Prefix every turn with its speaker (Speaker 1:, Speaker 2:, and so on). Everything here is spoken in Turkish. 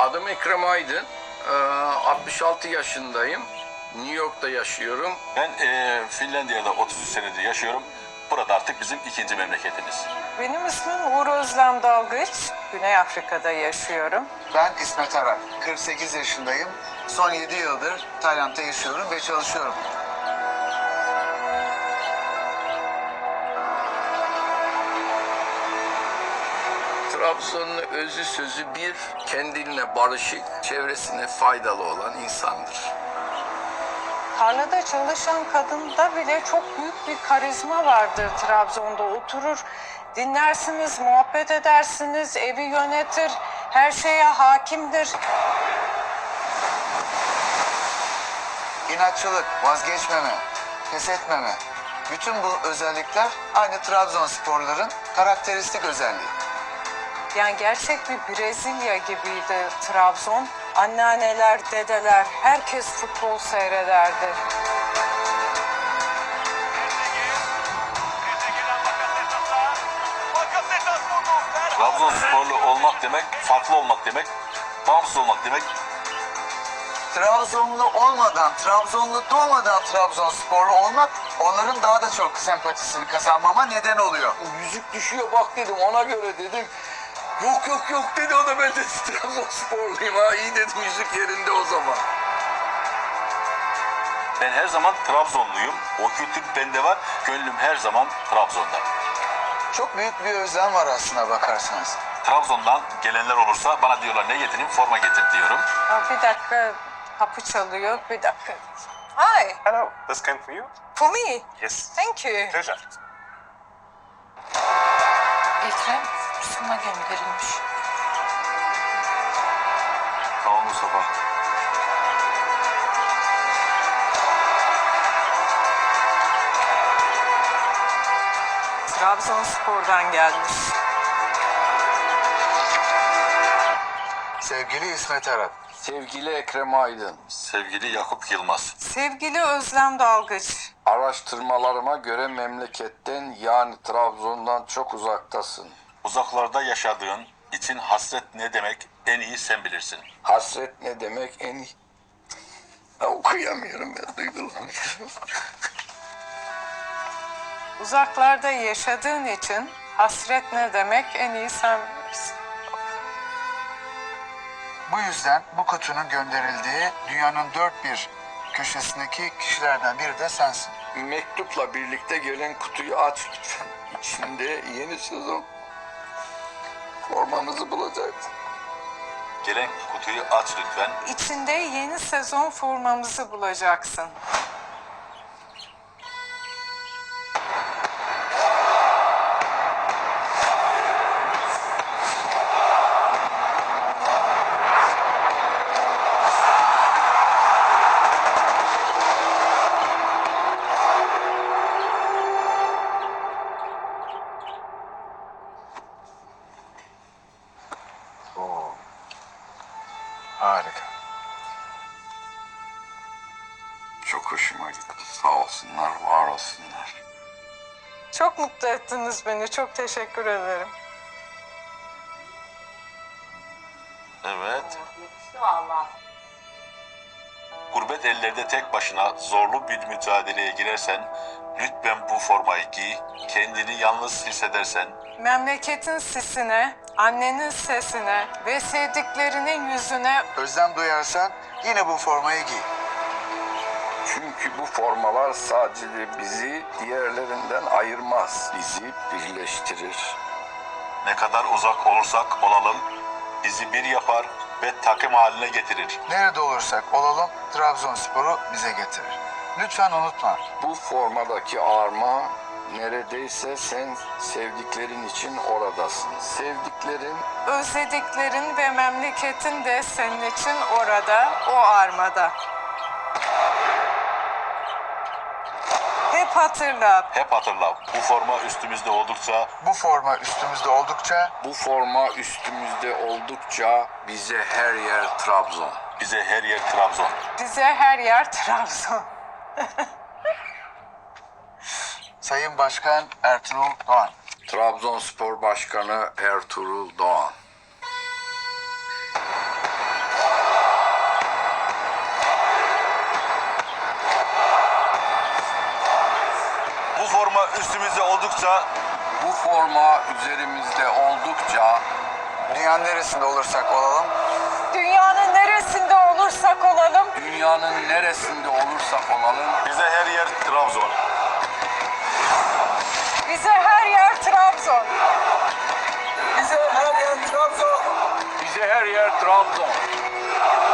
Speaker 1: Adım Ekrem Aydın. 66 yaşındayım. New York'ta yaşıyorum.
Speaker 2: Ben Finlandiya'da 33 senedir yaşıyorum. Burada artık bizim ikinci memleketimiz.
Speaker 3: Benim ismim Uğur Özlem Dalgıç. Güney Afrika'da yaşıyorum.
Speaker 4: Ben İsmet Arar. 48 yaşındayım. Son 7 yıldır Tayland'da yaşıyorum ve çalışıyorum.
Speaker 1: Trabzonlu özü sözü bir, kendine barışık, çevresine faydalı olan insandır.
Speaker 3: Tarlada çalışan kadında bile çok büyük bir karizma vardır Trabzon'da. Oturur, dinlersiniz, muhabbet edersiniz, evi yönetir, her şeye hakimdir.
Speaker 4: İnatçılık, vazgeçmeme, pes etmeme. Bütün bu özellikler aynı Trabzonsporların karakteristik özelliği.
Speaker 3: Yani gerçek bir Brezilya gibiydi Trabzon. Anneanneler, dedeler, herkes futbol seyrederdi.
Speaker 2: Trabzonsporlu olmak demek, farklı olmak demek, bağımsız olmak demek.
Speaker 4: Trabzonlu olmadan, Trabzonlu doğmadan Trabzonsporlu olmak onların daha da çok sempatisini kazanmama neden oluyor.
Speaker 1: Yüzük düşüyor bak dedim, ona göre dedim. Yok dedi, o da ben de Trabzonsporluyum ha, iyi dedim, yüzük yerinde o zaman.
Speaker 2: Ben her zaman Trabzonluyum. O kültür bende var. Gönlüm her zaman Trabzon'da.
Speaker 4: Çok büyük bir özlem var aslına bakarsanız.
Speaker 2: Trabzon'dan gelenler olursa bana diyorlar ne getireyim, forma getir diyorum.
Speaker 3: Bir dakika, kapı çalıyor. Bir dakika. Hi,
Speaker 5: Hello, this came for you?
Speaker 3: for me.
Speaker 5: Yes.
Speaker 3: Thank you.
Speaker 5: Pleasure.
Speaker 3: Ekrem, sana gönderilmiş.
Speaker 2: Tamam Mustafa.
Speaker 3: Trabzonspor'dan gelmiş.
Speaker 4: Sevgili İsmet Arar.
Speaker 1: Sevgili Ekrem Aydın,
Speaker 2: Sevgili Yakup Yılmaz.
Speaker 3: Sevgili Özlem Dalgıç.
Speaker 1: araştırmalarıma göre memleketten, yani Trabzon'dan çok uzaktasın.
Speaker 2: Uzaklarda yaşadığın için hasret ne demek en iyi sen bilirsin.
Speaker 1: Hasret ne demek en iyi? Ya, okuyamıyorum ya, duygulanıyorum.
Speaker 3: Uzaklarda yaşadığın için hasret ne demek en iyi sen bilirsin.
Speaker 4: Bu yüzden bu kutunun gönderildiği dünyanın dört bir köşesindeki kişilerden biri de sensin.
Speaker 1: Mektupla birlikte gelen kutuyu aç lütfen. İçinde yeni sezon formamızı bulacağız.
Speaker 2: Gelen kutuyu aç lütfen.
Speaker 3: İçinde yeni sezon formamızı bulacaksın.
Speaker 4: Harika.
Speaker 1: Çok hoşuma gitti. Sağ olsunlar, var olsunlar.
Speaker 3: Çok mutlu ettiniz beni. Çok teşekkür ederim.
Speaker 2: Evet. Gurbet ellerde tek başına zorlu bir mücadeleye girersen, lütfen bu formayı giy, kendini yalnız hissedersen,
Speaker 3: Memleketin sisine, annenin sesine ve sevdiklerinin yüzüne
Speaker 4: Özlem duyarsan yine bu formayı giy.
Speaker 1: Çünkü bu formalar sadece bizi diğerlerinden ayırmaz. Bizi birleştirir.
Speaker 2: ne kadar uzak olursak olalım, bizi bir yapar ve takım haline getirir.
Speaker 4: Nerede olursak olalım Trabzonspor'u bize getirir. Lütfen unutma.
Speaker 1: Bu formadaki arma, neredeyse sen sevdiklerin için oradasın. Sevdiklerin
Speaker 3: özlediklerin ve memleketin de senin için orada, o armada. Hep hatırla,
Speaker 2: Hep hatırla, bu forma üstümüzde oldukça
Speaker 4: Bu forma üstümüzde oldukça
Speaker 1: bu forma üstümüzde oldukça bize her yer Trabzon.
Speaker 2: bize her yer Trabzon.
Speaker 3: bize her yer Trabzon.
Speaker 4: Sayın Başkan Ertuğrul Doğan.
Speaker 1: Trabzonspor Başkanı Ertuğrul Doğan.
Speaker 2: forma üstümüzde oldukça
Speaker 1: Bu forma üzerimizde oldukça
Speaker 4: Dünyanın neresinde olursak olalım,
Speaker 3: Dünyanın neresinde olursak olalım,
Speaker 1: dünyanın neresinde olursak olalım
Speaker 2: bize her yer Trabzon.
Speaker 3: bize her yer Trabzon.
Speaker 1: bize her yer Trabzon. Bize her yer Trabzon.